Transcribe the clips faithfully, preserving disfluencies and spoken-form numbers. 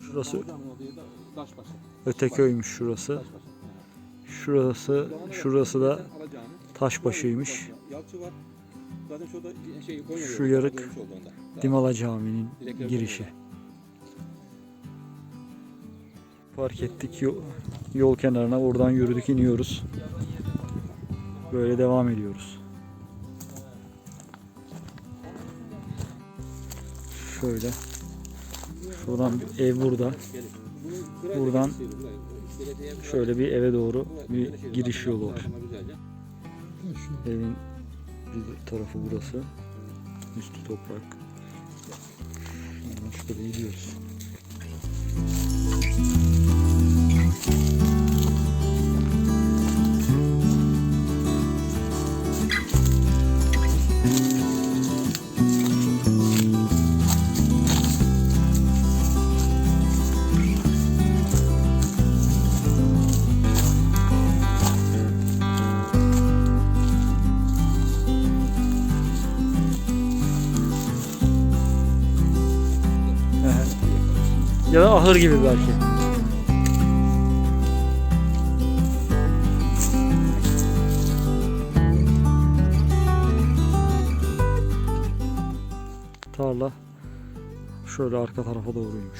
Şurası Öteköy'müş şurası. Şurası şurası da Taşbaşı'ymış. Şu yarık Dimala Camii'nin girişi. Park ettik yol, yol kenarına, oradan yürüdük, iniyoruz. Böyle devam ediyoruz. Şöyle. Şuradan bir ev burada. Buradan şöyle bir eve doğru bir giriş yolu var. Evin bir tarafı burası. Üstü toprak. Şurada gidiyoruz. Ya da ahır gibi belki. Tarla şöyle arka tarafa doğruymuş.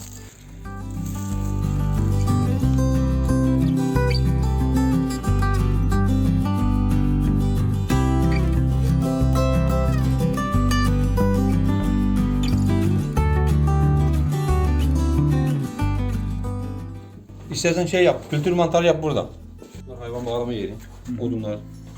İstersen şey yap, kültür mantarı yap burada. Hayvan bağlama yeri, odunlar.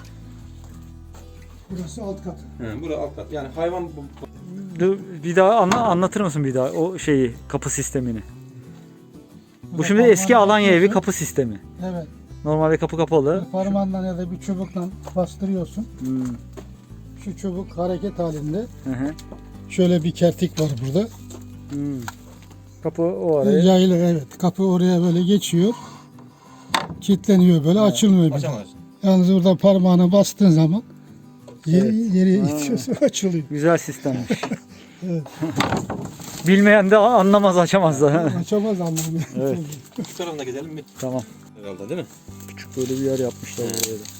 Burası alt katı. He, burası alt kat. Yani hayvan... Dur, bir daha anla, anlatır mısın bir daha o şeyi, kapı sistemini? Bu şimdi eski Alanya evi kapı sistemi. Evet. Normalde kapı kapalı. Bir parmağınla ya da bir çubukla bastırıyorsun. Hmm. Şu çubuk hareket halinde. Hı hı. Şöyle bir kertik var burada. Hmm. Kapı o araya. Yaylı, evet. Kapı oraya böyle geçiyor. Kilitleniyor böyle, evet. Açılmıyor bir. Açamazsın. Yalnız burada parmağına bastığın zaman yeri, Evet. yere Ha. itiyorsun, açılıyor. Güzel sistemmiş. Evet. Bilmeyen de anlamaz, açamaz da. Açamaz anlamıyor. Evet. Bu tarafına gidelim mi? Tamam. Herhalde değil mi? Küçük böyle bir yer yapmışlar buraya da.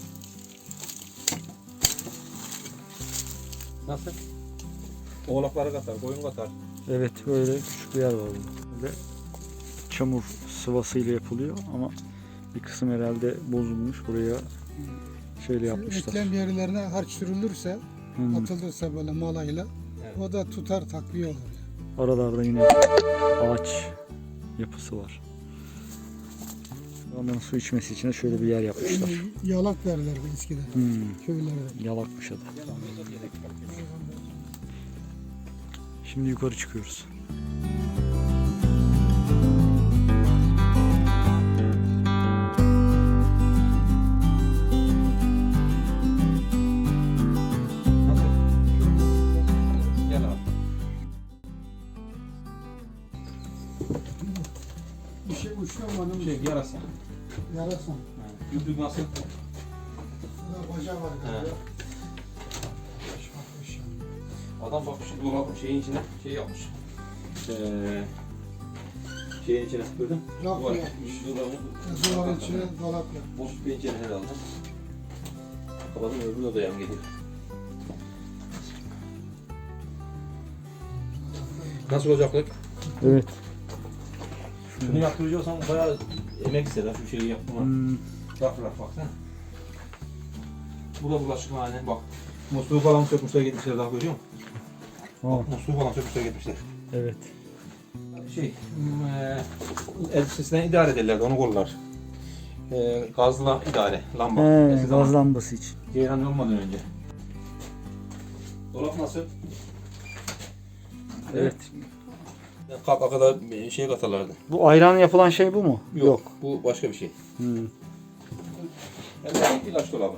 Nasıl? Oğlakları katar, koyun katar. Evet, böyle küçük bir yer var burada. Böyle çamur sıvasıyla yapılıyor ama bir kısım herhalde bozulmuş. Buraya şeyle yapmışlar. Eklem yerlerine harç sürülürse, Hmm. atılırsa böyle malayla, Evet. o da tutar, takviye olur. Aralarda yine ağaç yapısı var. Ondan su içmesi için de şöyle bir yer yapmışlar. Yani yalak derlerdi eskiden Hmm. köylerde. Yalakmış adı. Şimdi yukarı çıkıyoruz. Nasıl? Gel abi. Bir şey uçlamadım. Şey, yarasa. Yarasam. Yüzlük nasıl? Burada baca var He. galiba. Adam bak şu dolabın şeyin içine şey yapmış. Ee, şeyin içine gördün? Raf Duvar- yapmış. Dolabın, Duvarın içine dolap yapmış. boş bir pencere herhalde. Kapadım, öbür odaya mı geliyor? Nasıl olacaklık? Evet. Şunu yaptıracaksan bayağı emek ister ha şu şeyi yapma. Hmm. Raf raf baksana. Bu da bulaşıkhane bak. Musluğu falan sökmüşler gitmişler, daha görüyor musun? Oh. Bak, musluğu falan sökmüşler gitmişler. Evet. Şey, eee elbisesinden idare ederlerdi, onu kollar. Eee gazla idare, lamba. He, Eski zaman gaz lambası için. Ceyhan olmadan önce. Dolap nasıl? Evet. Kapa kadar şey katarlardı. Bu ayran yapılan şey bu mu? Yok, bu başka bir şey. Hmm. Yani ilaç dolabı.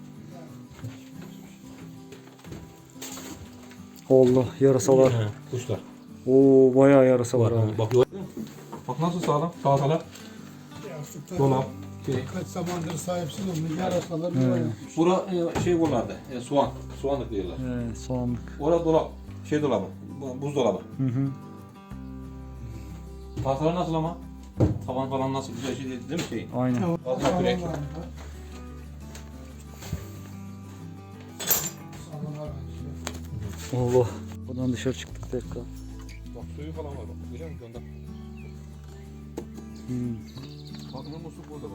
Allah, yarasalar. He, kuşlar. Oo, bayağı yarasa var Var, abi. bak, bak nasıl sağlam, tahtalar, dolap. Şey. Kaç zamandır sahipsiz olmuş yarasalar He. yuva yapmış. Bura e, şey buralarda, e, soğan, soğanlık diyorlar. He, soğanlık. Orada dolap, şey dolabı, bu- buzdolabı. Hı hı. Tahtalar nasıl ama? Tavan falan nasıl güzel şey değil, değil mi şey? Aynen. Fazla kürek. Allah. Buradan dışarı çıktık tekrar. Bak suyu falan var bak. Görüyor musun? Onda. Hmm. Bakın musluk burada bak.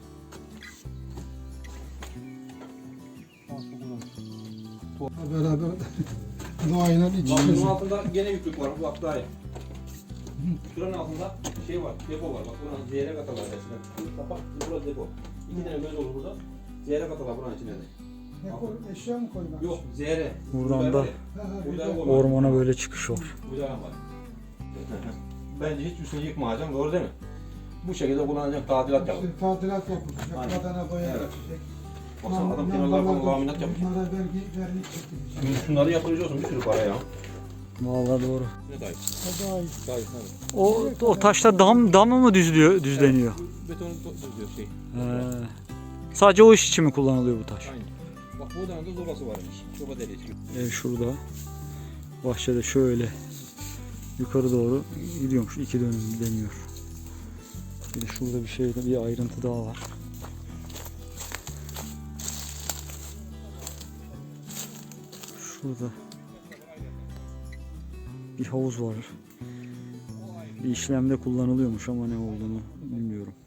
Beraber doğayla iç Bak bunun içe. altında gene yüklük var. Bak daha iyi. Şuranın altında şey var, depo var. Bak buranın zeyrek atalar eskiden. Bu kapak, bu burası depo. İki tane göz olur burada. Zeyrek atalar buranın içine de. Ne koy, eşya mı koymak? Yok, zeyre. Buradan da Ha, ha, Burada bir de- ormana böyle çıkış var. Burada var. Bence hiç üstünü yıkmayacaksın, doğru değil mi? Bu şekilde kullanacaksın, tadilat yap. İşte tadilat yapılacak, Aynen. badana boya Evet. geçecek. Baksana adam Yan- kenarlar falan yanlardan laminat yapmış. Bunlara vergi, vernik çekilecek. Şunları yaptırıyorsun bir sürü para ya. Vallahi doğru. Ne dayı? O daha iyi. Dayı, evet. O o taşta dam damı mı düzlüyor, düzleniyor? Betonu tutuyor şey. He. Sadece o iş için mi kullanılıyor bu taş? Aynen. Bak buradan da zobası varmış. Zoba deliği çıkıyor. Ev şurada. Bahçede şöyle yukarı doğru gidiyormuş. İki dönüm deniyor. Bir de şurada bir şey, bir ayrıntı daha var. Şurada bir havuz var. Bir işlemde kullanılıyormuş ama ne olduğunu bilmiyorum.